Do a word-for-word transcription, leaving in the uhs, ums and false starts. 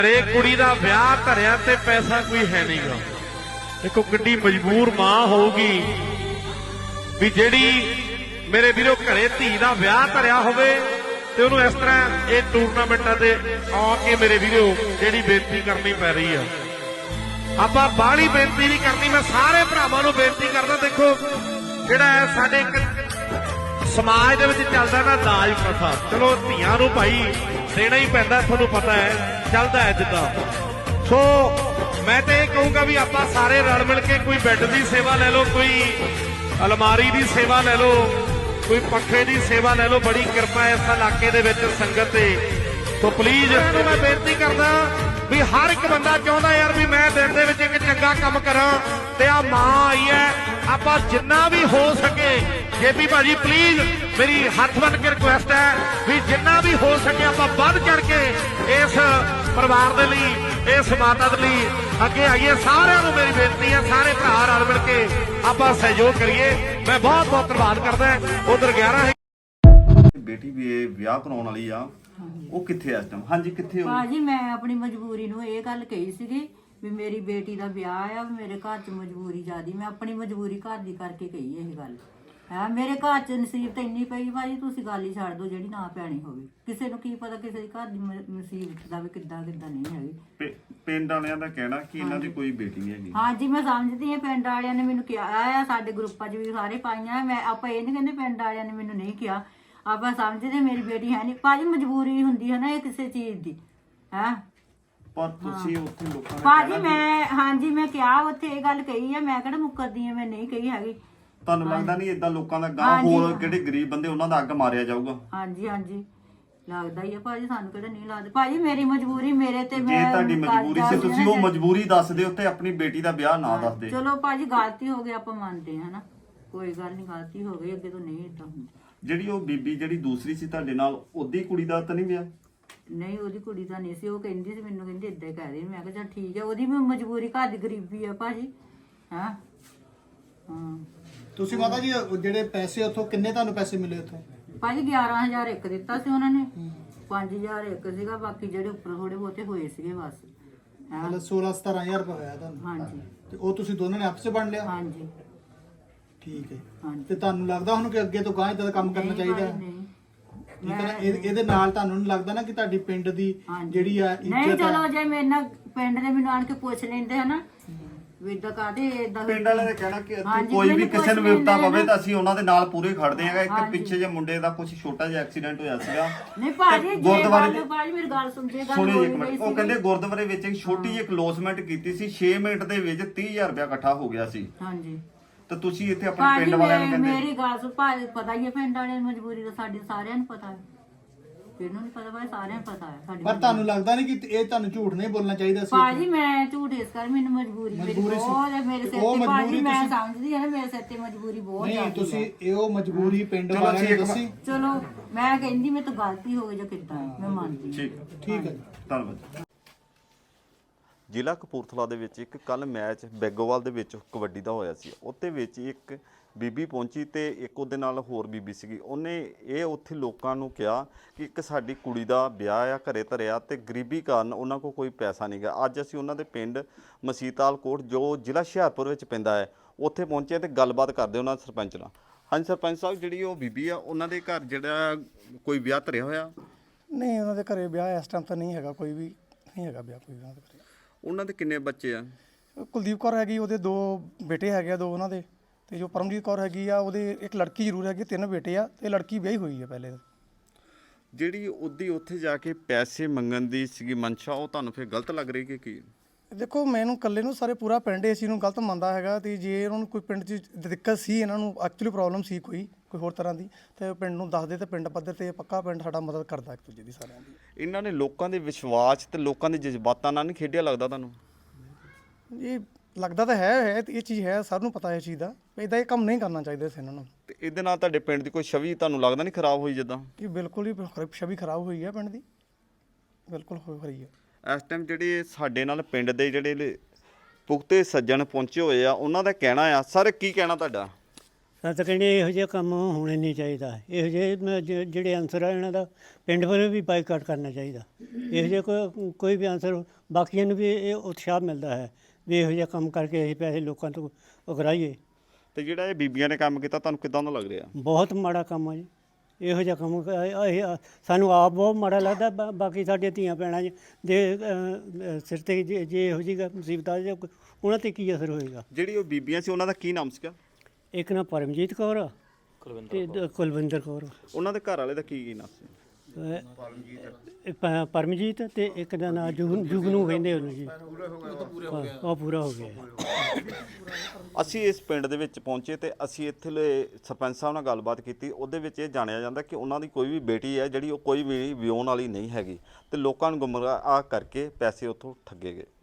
घरे कुड़ी दा विआह धरिया ते पैसा कोई है नहीं गा। देखो किड्डी मजबूर मां होगी भी जेड़ी मेरे वीरो घरे धी दा विआह धरिया होवे ते उहनूं इस तरह ये टूरनामेंटां ते आके मेरे वीरो जेड़ी बेनती करनी पै रही है। ਆਪਾਂ ਬਾਹਲੀ ਬੇਨਤੀ नहीं करनी, मैं सारे भरावां नूं बेनती करदा। देखो ਜਿਹੜਾ ਹੈ ਸਾਡੇ ਇੱਕ ਸਮਾਜ ਦੇ ਵਿੱਚ ਚੱਲਦਾ ਨਾ ਦਾਜ ਪ੍ਰਥਾ, ਚਲੋ ਧੀਆਂ ਨੂੰ ਭਾਈ ਦੇਣਾ ਹੀ ਪੈਂਦਾ, ਤੁਹਾਨੂੰ ਪਤਾ ਹੈ ਚੱਲਦਾ ਹੈ ਜਿੱਦਾਂ। ਸੋ ਮੈਂ ਤੇ ਇਹ ਕਹੂੰਗਾ ਵੀ ਆਪਾਂ ਸਾਰੇ ਰਲ ਮਿਲ ਕੇ ਕੋਈ ਬੈੱਡ ਦੀ ਸੇਵਾ ਲੈ ਲਓ, ਕੋਈ ਅਲਮਾਰੀ ਦੀ ਸੇਵਾ ਲੈ ਲਓ, ਕੋਈ ਪੱਖੇ ਦੀ ਸੇਵਾ ਲੈ ਲਓ। ਬੜੀ ਕਿਰਪਾ ਇਸ ਇਲਾਕੇ ਦੇ ਵਿੱਚ ਸੰਗਤ ਤੇ। ਸੋ ਪਲੀਜ਼ ਇਹਨੂੰ ਮੈਂ ਬੇਨਤੀ ਕਰਦਾ ਵੀ ਹਰ ਇੱਕ ਬੰਦਾ ਚਾਹੁੰਦਾ ਯਾਰ ਵੀ ਮੈਂ ਦਿਨ ਦੇ ਵਿੱਚ ਇੱਕ ਚੰਗਾ ਕੰਮ ਕਰਾਂ ਤੇ ਆ ਮਾਂ ਆਈ ਹੈ, ਆਪਾਂ ਜਿੰਨਾ ਵੀ ਹੋ ਸਕੇ ਜੇਪੀ ਭਾਜੀ ਪਲੀਜ਼ ਮੇਰੀ ਹੱਥ ਬੰਨ ਕੇ ਰਿਕੁਐਸਟ ਹੈ ਵੀ ਜਿੰਨਾ ਵੀ ਹੋ ਸਕੇ ਆਪਾਂ ਵੱਧ ਚੜ ਕੇ ਇਸ ਪਰਿਵਾਰ ਦੇ ਲਈ, ਇਸ ਮਾਤਾ ਦੇ ਲਈ ਅੱਗੇ ਆਈਏ। ਸਾਰਿਆਂ ਨੂੰ ਮੇਰੀ ਬੇਨਤੀ ਹੈ, ਸਾਰੇ ਭਰਾ ਰਲ ਮਿਲ ਕੇ ਆਪਾਂ ਸਹਿਯੋਗ ਕਰੀਏ। ਮੈਂ ਬਹੁਤ ਬਹੁਤ ਧੰਨਵਾਦ ਕਰਦਾ। ਉਧਰ ਗਿਆਰਾਂ बेटी भी विआह कराउण वाली आ, ਉਹ ਕਿੱਥੇ ਇਸ ਟਾਈਮ? ਹਾਂਜੀ ਕਿੱਥੇ ਹੋ ਭਾਜੀ? ਮੈਂ ਆਪਣੀ ਮਜਬੂਰੀ ਨੂੰ ਇਹ ਗੱਲ ਕਹੀ ਸੀਗੀ ਵੀ ਮੇਰੀ ਬੇਟੀ ਦਾ ਵਿਆਹ ਆ, ਮੇਰੇ ਘਰ 'ਚ ਮਜਬੂਰੀ ਜ਼ਿਆਦੀ, ਮੈਂ ਆਪਣੀ ਮਜਬੂਰੀ ਘਰ ਦੀ ਕਰਕੇ ਕਹੀ ਇਹ ਗੱਲ ਹੈ। ਮੇਰੇ ਘਰ 'ਚ ਨਸੀਬਤ ਇੰਨੀ ਪਈ ਭਾਜੀ, ਤੁਸੀਂ ਗੱਲ ਹੀ ਛੱਡ ਦਿਓ ਜਿਹੜੀ ਨਾ ਪੈਣੀ ਹੋਵੇ। ਕਿਸੇ ਨੂੰ ਕੀ ਪਤਾ ਕਿਸੇ ਦੀ ਘਰ ਦੀ ਮੁਸੀਬਤ ਦਾ ਵੀ ਕਿੱਦਾਂ ਕਿੱਦਾਂ ਨਹੀਂ ਹੈਗੀ। ਪਿੰਡ ਵਾਲਿਆਂ ਦਾ ਕਹਿਣਾ ਕਿ ਇਹਨਾਂ ਦੀ ਕੋਈ ਬੇਟੀ ਨਹੀਂ ਹੈਗੀ। ਹਾਂਜੀ ਮੈਂ ਸਮਝਦੀ ਹਾਂ, ਪਿੰਡ ਵਾਲਿਆਂ ਨੇ ਮੈਨੂੰ ਕਿਹਾ ਆ, ਸਾਡੇ ਗਰੁੱਪਾਂ 'ਚ ਵੀ ਸਾਰੇ ਪਾਈਆਂ। ਮੈਂ ਆਪਾਂ ਇਹ ਨਹੀਂ ਕਹਿੰਦੇ ਪਿੰਡ ਵਾਲਿਆਂ ਨੇ ਮੈਨੂੰ ਨਹੀਂ ਕਿਹਾ, ਆਪਾਂ ਸਮਝਦੇ ਮੇਰੀ ਬੇਟੀ ਹੈ ਨਹੀਂ। ਭਾਜੀ ਮਜਬੂਰੀ ਹੁੰਦੀ ਹੈ ਨਾ ਇਹ ਕਿਸੇ ਚੀਜ਼ ਦੀ, ਹੈ ਪਰ ਤੁਸੀਂ ਉੱਥੇ ਲੋਕਾਂ ਨੇ ਭਾਜੀ ਮੈਂ ਹਾਂਜੀ ਮੈਂ ਕਿਹਾ ਉੱਥੇ ਇਹ ਗੱਲ ਕਹੀ ਹੈ, ਮੈਂ ਕਿਹੜਾ ਮੁੱਕਰਦੀ ਆ, ਮੈਂ ਨਹੀਂ ਕਹੀ ਹੈਗੀ। ਤੁਹਾਨੂੰ ਲੱਗਦਾ ਨਹੀਂ ਏਦਾਂ ਲੋਕਾਂ ਦਾ ਗਾਂ ਹੋਰ ਜਿਹੜੇ ਗਰੀਬ ਬੰਦੇ ਉਹਨਾਂ ਦਾ ਅੱਗ ਮਾਰਿਆ ਜਾਊਗਾ? ਹਾਂਜੀ ਹਾਂਜੀ ਲੱਗਦਾ ਹੀ ਆ ਭਾਜੀ, ਸਾਨੂੰ ਕਿਹੜਾ ਨਹੀਂ ਲੱਗਦਾ। ਭਾਜੀ ਮੇਰੀ ਮਜਬੂਰੀ ਮੇਰੇ ਤੇ, ਜੇ ਮੈਂ ਤੁਹਾਡੀ ਮਜਬੂਰੀ ਸੀ ਤੁਸੀਂ ਉਹ ਮਜਬੂਰੀ ਦੱਸ ਦਿਓ ਤੇ ਆਪਣੀ ਬੇਟੀ ਦਾ ਵਿਆਹ ਨਾ ਦੱਸਦੇ। ਚਲੋ ਭਾਜੀ ਗਲਤੀ ਹੋ ਗਈ, ਆਪਾਂ ਮੰਨਦੇ ਹਾਂ ਨਾ, ਕੋਈ ਗੱਲ ਨਹੀਂ, ਗਲਤੀ ਹੋ ਗਈ, ਅੱਗੇ ਤੋਂ ਨਹੀਂ ਏਦਾਂ ਹੁੰਦਾ। ਜਿਹੜੀ ਉਹ ਬੀਬੀ ਜਿਹੜੀ ਦੂਸਰੀ ਸੀ ਤੁਹਾਡੇ ਨਾਲ, ਉਹਦੀ ਕੁੜੀ ਦਾ ਤਾਂ ਨਹੀਂ ਵਿਆਹ? ਨਹੀਂ ਉਹਦੀ ਕੁੜੀ ਤਾਂ ਨਹੀਂ ਸੀ, ਉਹ ਕਹਿੰਦੀ ਸੀ ਮੈਨੂੰ, ਕਹਿੰਦੀ ਏਦਾਂ ਹੀ ਕਹਿ ਦੇ। ਮੈਂ ਕਿਹਾ ਚੱਲ ਠੀਕ ਹੈ, ਉਹਦੀ ਵੀ ਮਜਬੂਰੀ, ਘਰ ਦੀ ਗਰੀਬੀ ਆ ਭਾਜੀ। ਹਾਂ ਹਾਂ ਤੁਸੀਂ ਮਾਤਾ ਜੀ ਜਿਹੜੇ ਪੈਸੇ ਉੱਥੋਂ ਕਿੰਨੇ ਤੁਹਾਨੂੰ ਪੈਸੇ ਮਿਲੇ ਉੱਥੋਂ? ਭਾਜੀ ਗਿਆਰਾਂ ਹਜ਼ਾਰ ਇੱਕ ਦਿੱਤਾ ਸੀ ਉਹਨਾਂ ਨੇ, ਪੰਜ ਹਜ਼ਾਰ ਇੱਕ ਸੀਗਾ, ਬਾਕੀ ਜਿਹੜੇ ਉੱਪਰ ਥੋੜੇ ਬਹੁਤੇ ਹੋਏ ਸੀਗੇ ਬਸ। ਮਤਲਬ ਸੋਲਾਂ ਸਤਾਰਾਂ ਹਜ਼ਾਰ ਰੁਪਏ ਹੋਇਆ ਤੁਹਾਨੂੰ? ਹਾਂਜੀ। ਤੇ ਉਹ ਤੁਸੀਂ ਦੋਨਾਂ ਨੇ ਆਪਸ ਚ ਵੰਡ ਲਿਆ? ਹਾਂਜੀ ਠੀਕ ਹੈ। ਹਾਂਜੀ। ਤੇ ਤੁਹਾਨੂੰ ਲੱਗਦਾ ਹੁਣ ਕਿ ਅੱਗੇ ਤੋਂ ਗਾਂ ਇਦਾਂ ਦਾ ਕੰਮ ਕਰਨਾ ਚਾਹੀਦਾ ਹੈ? ਨਹੀਂ ਠੀਕ ਹੈ ਨਾ, ਇਹ- ਇਹਦੇ ਨਾਲ ਤੁਹਾਨੂੰ ਨਹੀਂ ਲੱਗਦਾ ਨਾ ਕਿ ਤੁਹਾਡੀ ਪਿੰਡ ਦੀ ਜਿਹੜੀ ਆ ਨਹੀਂ, ਇੱਜ਼ਤ ਚਲੋ ਹੈ? ਜੇ ਮੇਰੇ ਨਾਲ ਪਿੰਡ ਦੇ ਮੈਨੂੰ ਆਣ ਕੇ ਪੁੱਛ ਲੈਂਦੇ ਹਨਾ ਵੀ ਇਦਾਂ ਕਾਹਦੇ ਏਦਾਂ ਪਿੰਡ ਵਾਲਿਆਂ ਨੇ ਕਹਿਣਾ ਕਿ ਇੱਥੇ ਹਾਂਜੀ, ਕੋਈ ਵੀ ਮੈਨੂੰ ਕਿਸੇ ਨੂੰ ਪੁੱਛ ਵਿਪਤਾ ਲੈਂਦੇ ਪਵੇ ਆ ਤਾਂ ਅਸੀਂ ਉਹਨਾਂ ਦੇ ਨਾਲ ਪੂਰੇ ਖੜਦੇ ਆਂਗੇ। ਇੱਕ ਹਾਂਜੀ। ਪਿੱਛੇ ਜੇ ਮੁੰਡੇ ਦਾ ਕੁਝ ਛੋਟਾ ਜਿਹਾ ਐਕਸੀਡੈਂਟ ਹੋਇਆ ਸੀਗਾ ਨਹੀਂ ਭਾਜੀ, ਤੇ ਜੇ ਗੁਰਦੁਆਰੇ ਗੱਲ ਭਾਜੀ ਮੇਰੀ ਗੱਲ ਸੁਣ, ਜੇ ਗੱਲ ਸੁਣਿਓ ਹੋਈ ਇੱਕ ਗਈ ਮਿੰਟ। ਉਹ ਸੀ ਕਹਿੰਦੇ ਗੁਰਦੁਆਰੇ ਵਿੱਚ ਇੱਕ ਛੋਟੀ ਜਿਹੀ ਕਲੋਜ਼ਮੈਂਟ ਕੀਤੀ ਸੀ, ਛੇ ਮਿੰਟ ਦੇ ਵਿੱਚ ਤੀਹ ਹਜ਼ਾਰ ਰੁਪਇਆ ਇਕੱਠਾ ਹੋ ਗਿਆ ਸੀ। ਹਾਂਜੀ ਤੇ ਤੁਸੀਂ ਇੱਥੇ ਆਪਣੇ ਭਾਜੀ ਪਿੰਡ ਵਾਲਿਆਂ ਨੂੰ ਮੈਂ- ਕਹਿੰਦੇ ਮੇਰੀ ਗੱਲ ਸੁਣ ਭਾਜੀ, ਪਤਾ ਹੀ ਹੈ ਪਿੰਡ ਵਾਲਿਆਂ ਦੀ ਮਜਬੂਰੀ ਦਾ, ਸਾਡੇ ਸਾਰਿਆਂ ਨੂੰ ਪਤਾ ਹੈ, ਇਹਨੂੰ ਨਹੀਂ ਪਤਾ ਭਾਈ, ਸਾਰਿਆਂ ਨੂੰ ਪਤਾ ਹੈ ਸਾਡੀ। ਪਰ ਤੁਹਾਨੂੰ ਲੱਗਦਾ ਨਹੀਂ ਕਿ ਇਹ ਤੁਹਾਨੂੰ ਝੂਠ ਨਹੀਂ ਬੋਲਣਾ ਚਾਹੀਦਾ ਸੀ? ਭਾਜੀ ਮੈਂ ਝੂਠ ਇਸ ਕਰ, ਮੈਨੂੰ ਮਜਬੂਰੀ ਮੇਰੀ ਮਜਬੂਰੀ ਸੀ। ਬਹੁਤ ਹੈ ਮੇਰੇ ਸਿਰ ਉਹ ਤੇ ਭਾਜੀ, ਮਜਬੂਰੀ ਮੈਂ ਤੁਸੀਂ- ਸਮਝਦੀ ਹਾਂ ਨਾ ਮੇਰੇ ਸਿਰ ਤੇ ਮਜਬੂਰੀ ਬਹੁਤ ਨਹੀਂ ਜ਼ਿਆਦੀ ਤੁਸੀਂ ਹੈ। ਇਹ ਉਹ ਮਜਬੂਰੀ ਪਿੰਡ ਚਲੋ ਵਾਲਿਆਂ ਨੇ ਠੀਕ ਹੈ। ਦੱਸੀ? ਚਲੋ ਮੈਂ ਕਹਿੰਦੀ ਮੇਰੇ ਤੋਂ ਗਲਤੀ ਹੋ ਗਈ ਜਾਂ ਕਿੱਦਾਂ, ਮੈਂ ਮੰਨਦੀ ਠੀਕ ਠੀਕ ਹੈ। ਧੰਨਵਾਦ। ਜ਼ਿਲ੍ਹਾ ਕਪੂਰਥਲਾ ਦੇ ਵਿੱਚ ਇੱਕ ਕੱਲ ਮੈਚ ਬੈਗੋਵਾਲ ਦੇ ਵਿੱਚ ਕਬੱਡੀ ਦਾ ਹੋਇਆ ਸੀ। ਉੱਤੇ ਵਿੱਚ ਇੱਕ ਬੀਬੀ ਪਹੁੰਚੀ ਤੇ ਇੱਕ ਉਹਦੇ ਨਾਲ ਹੋਰ ਬੀਬੀ ਸੀਗੀ। ਉਹਨੇ ਇਹ ਉੱਥੇ ਲੋਕਾਂ ਨੂੰ ਕਿਹਾ ਕਿ ਇੱਕ ਸਾਡੀ ਕੁੜੀ ਦਾ ਵਿਆਹ ਆ, ਘਰੇ ਧਰਿਆ, ਤੇ ਗਰੀਬੀ ਕਾਰਨ ਉਹਨਾਂ ਕੋਲ ਕੋਈ ਪੈਸਾ ਨਹੀਂ ਗਾ। ਅੱਜ ਅਸੀਂ ਉਹਨਾਂ ਦੇ ਪਿੰਡ ਮਸੀਤਾਲ ਕੋਟ ਜੋ ਜ਼ਿਲ੍ਹਾ ਹੁਸ਼ਿਆਰਪੁਰ ਵਿੱਚ ਪੈਂਦਾ ਹੈ ਉੱਥੇ ਪਹੁੰਚੇ ਤੇ ਗੱਲਬਾਤ ਕਰਦੇ ਉਹਨਾਂ ਸਰਪੰਚ ਨਾਲ। ਹਾਂਜੀ ਸਰਪੰਚ ਸਾਹਿਬ, ਜਿਹੜੀ ਉਹ ਬੀਬੀ ਆ ਉਹਨਾਂ ਦੇ ਘਰ ਜਿਹੜਾ ਕੋਈ ਵਿਆਹ ਧਰਿਆ ਹੋਇਆ? ਨਹੀਂ ਉਹਨਾਂ ਦੇ ਘਰੇ ਵਿਆਹ ਇਸ ਟਾਈਮ ਤਾਂ ਨਹੀਂ ਹੈਗਾ, ਕੋਈ ਵੀ ਨਹੀਂ ਹੈਗਾ ਵਿਆਹ ਕੋਈ ਉਹਨਾਂ ਦੇ ਘਰੇ। ਉਹਨਾਂ ਦੇ ਕਿੰਨੇ ਬੱਚੇ ਆ? ਕੁਲਦੀਪ ਕੌਰ ਹੈਗੀ, ਉਹਦੇ ਦੋ ਬੇਟੇ ਹੈਗੇ ਆ, ਦੋ ਉਹਨਾਂ ਦੇ। ਤੇ ਜੋ ਪਰਮਜੀਤ ਕੌਰ ਹੈਗੀ ਆ, ਉਹਦੇ ਇੱਕ ਲੜਕੀ ਜ਼ਰੂਰ ਹੈਗੀ, ਤਿੰਨ ਬੇਟੇ ਆ, ਤੇ ਲੜਕੀ ਵਿਆਹੀ ਹੋਈ ਆ ਪਹਿਲੇ। ਜਿਹੜੀ ਉਹਦੀ ਉੱਥੇ ਜਾ ਕੇ ਪੈਸੇ ਮੰਗਣ ਦੀ ਸੀਗੀ ਮਨਸ਼ਾ, ਉਹ ਤੁਹਾਨੂੰ ਫਿਰ ਗਲਤ ਲੱਗ ਰਹੀ ਕਿ ਕੀ? ਦੇਖੋ ਮੈਨੂੰ ਇਕੱਲੇ ਨੂੰ ਸਾਰੇ ਪੂਰਾ ਪਿੰਡ ਇਸ ਚੀਜ਼ ਨੂੰ ਗਲਤ ਮੰਨਦਾ ਹੈਗਾ। ਤੇ ਜੇ ਉਹਨਾਂ ਨੂੰ ਕੋਈ ਪਿੰਡ 'ਚ ਦਿੱਕਤ ਸੀ, ਇਹਨਾਂ ਨੂੰ ਐਕਚੁਅਲੀ ਪ੍ਰੋਬਲਮ ਸੀ ਕੋਈ ਕੋਈ ਹੋਰ ਤਰ੍ਹਾਂ ਦੀ, ਤੇ ਪਿੰਡ ਨੂੰ ਦੱਸਦੇ ਤੇ ਪਿੰਡ ਪੱਧਰ ਤੇ ਪੱਕਾ ਪਿੰਡ ਸਾਡਾ ਮਦਦ ਕਰਦਾ ਇੱਕ ਦੂਜੇ ਦੀ ਸਾਰਿਆਂ ਦੀ। ਇਹਨਾਂ ਨੇ ਲੋਕਾਂ ਦੇ ਵਿਸ਼ਵਾਸ ਤੇ ਲੋਕਾਂ ਦੇ ਜਜ਼ਬਾਤਾਂ ਨਾਲ ਨਹੀਂ ਖੇਡਿਆ ਲੱਗਦਾ ਤੁਹਾਨੂੰ? ਇਹ ਲੱਗਦਾ ਤਾਂ ਹੈ ਹੈ ਤੇ ਇਹ ਚੀਜ਼ ਹੈ, ਸਭ ਨੂੰ ਪਤਾ ਇਹ ਚੀਜ਼ ਦਾ। ਇੱਦਾਂ ਇਹ ਕੰਮ ਨਹੀਂ ਕਰਨਾ ਚਾਹੀਦਾ ਸੀ ਇਹਨਾਂ ਨੂੰ। ਤੇ ਇਹਦੇ ਨਾਲ ਤੁਹਾਡੇ ਪਿੰਡ ਦੀ ਕੋਈ ਛਵੀ ਤੁਹਾਨੂੰ ਲੱਗਦਾ ਨਹੀਂ ਖਰਾਬ ਹੋਈ? ਜਿੱਦਾਂ ਇਹ ਬਿਲਕੁਲ ਹੀ ਛਵੀ ਖਰਾਬ ਹੋਈ ਹੈ ਪਿੰਡ ਦੀ, ਬਿਲਕੁਲ ਹੋ ਰਹੀ ਹੈ। ਇਸ ਟਾਈਮ ਜਿਹੜੇ ਸਾਡੇ ਨਾਲ ਪਿੰਡ ਦੇ ਜਿਹੜੇ ਪੁਖਤੇ ਸੱਜਣ ਪਹੁੰਚੇ ਹੋਏ ਆ, ਉਹਨਾਂ ਦਾ ਕਹਿਣਾ ਆ। ਸਰ ਕੀ ਕਹਿਣਾ ਤੁਹਾਡਾ? ਤਾਂ ਤਾਂ ਕਹਿੰਦੇ ਇਹੋ ਜਿਹਾ ਕੰਮ ਹੋਣਾ ਨਹੀਂ ਚਾਹੀਦਾ, ਇਹੋ ਜਿਹੇ ਮ- ਜ- ਜਿਹੜੇ ਆਨਸਰ ਆ ਇਹਨਾਂ ਦਾ ਪਿੰਡ ਵੱਲੋਂ ਵੀ ਬਾਈਕਾਟ ਕਰਨਾ ਚਾਹੀਦਾ। ਇਹੋ ਜਿਹਾ ਕੋਈ ਕੋਈ ਵੀ ਆਨਸਰ, ਬਾਕੀਆਂ ਨੂੰ ਵੀ ਇਹ ਉਤਸ਼ਾਹ ਮਿਲਦਾ ਹੈ ਵੀ ਇਹੋ ਜਿਹਾ ਕੰਮ ਕਰਕੇ ਅਸੀਂ ਪੈਸੇ ਲੋਕਾਂ ਤੋਂ ਉਗਰਾਈਏ। ਤੇ ਜਿਹੜਾ ਇਹ ਬੀਬੀਆਂ ਨੇ ਕੰਮ ਕੀਤਾ ਤੁਹਾਨੂੰ ਕਿੱਦਾਂ ਦਾ ਲੱਗ ਰਿਹਾ? ਬਹੁਤ ਮਾੜਾ ਕੰਮ ਆ ਜੀ ਇਹੋ ਜਿਹਾ ਕੰਮ। ਇਹ- ਇਹ ਸਾਨੂੰ ਆਪ ਬਹੁਤ ਮਾੜਾ ਲੱਗਦਾ, ਬਾ- ਬਾਕੀ ਸਾਡੀਆਂ ਧੀਆਂ ਭੈਣਾਂ ਜੀ ਦੇ ਅ, ਅ, ਸਿਰ 'ਤੇ ਜੇ ਜੇ ਇਹੋ ਜਿਹੀ ਗ- ਮੁਸੀਬਤ ਆ ਜਾਏ ਉਹਨਾਂ 'ਤੇ ਕੀ ਅਸਰ ਹੋਏਗਾ। ਜਿਹੜੀ ਉਹ ਬੀਬੀਆਂ ਸੀ ਉਹਨਾਂ ਦਾ ਕੀ ਨਾਮ ਸੀਗਾ? ਇੱਕ ਨਾ ਪਰਮਜੀਤ ਕੌਰ ਆ ਤੇ ਦ- ਕੁਲਵਿੰਦਰ ਕੌਰ। ਉਹਨਾਂ ਦੇ ਘਰ ਵਾਲੇ ਦਾ ਕੀ ਕੀ ਨਾਮ ਸੀ? ਅ, ਪ- ਪਰਮਜੀਤ ਤੇ ਇੱਕ ਦਾ ਨਾਂ ਜੁਗ ਜੁਗਨੂ ਕਹਿੰਦੇ ਉਹਨੂੰ ਜੀ। ਉਹ ਪੂਰਾ ਹੋ ਗਿਆ। ਅਸੀਂ ਇਸ ਪਿੰਡ ਦੇ ਵਿੱਚ ਪਹੁੰਚੇ ਤੇ ਅਸੀਂ ਇੱਥੇ ਦੇ ਸਰਪੰਚ ਸਾਹਿਬ ਨਾਲ ਗੱਲਬਾਤ ਕੀਤੀ। ਉਹਦੇ ਵਿੱਚ ਇਹ ਜਾਣਿਆ ਜਾਂਦਾ ਕਿ ਉਹਨਾਂ ਦੀ ਕੋਈ ਵੀ ਬੇਟੀ ਹੈ ਜਿਹੜੀ ਉਹ ਕੋਈ ਵੀ ਵਿਆਹੁਣ ਵਾਲੀ ਨਹੀਂ ਹੈਗੀ ਤੇ ਲੋਕਾਂ ਨੂੰ ਗੁੰਮਰਾਹ ਕਰਕੇ ਪੈਸੇ ਉੱਥੋਂ ਠੱਗੇ ਗਏ।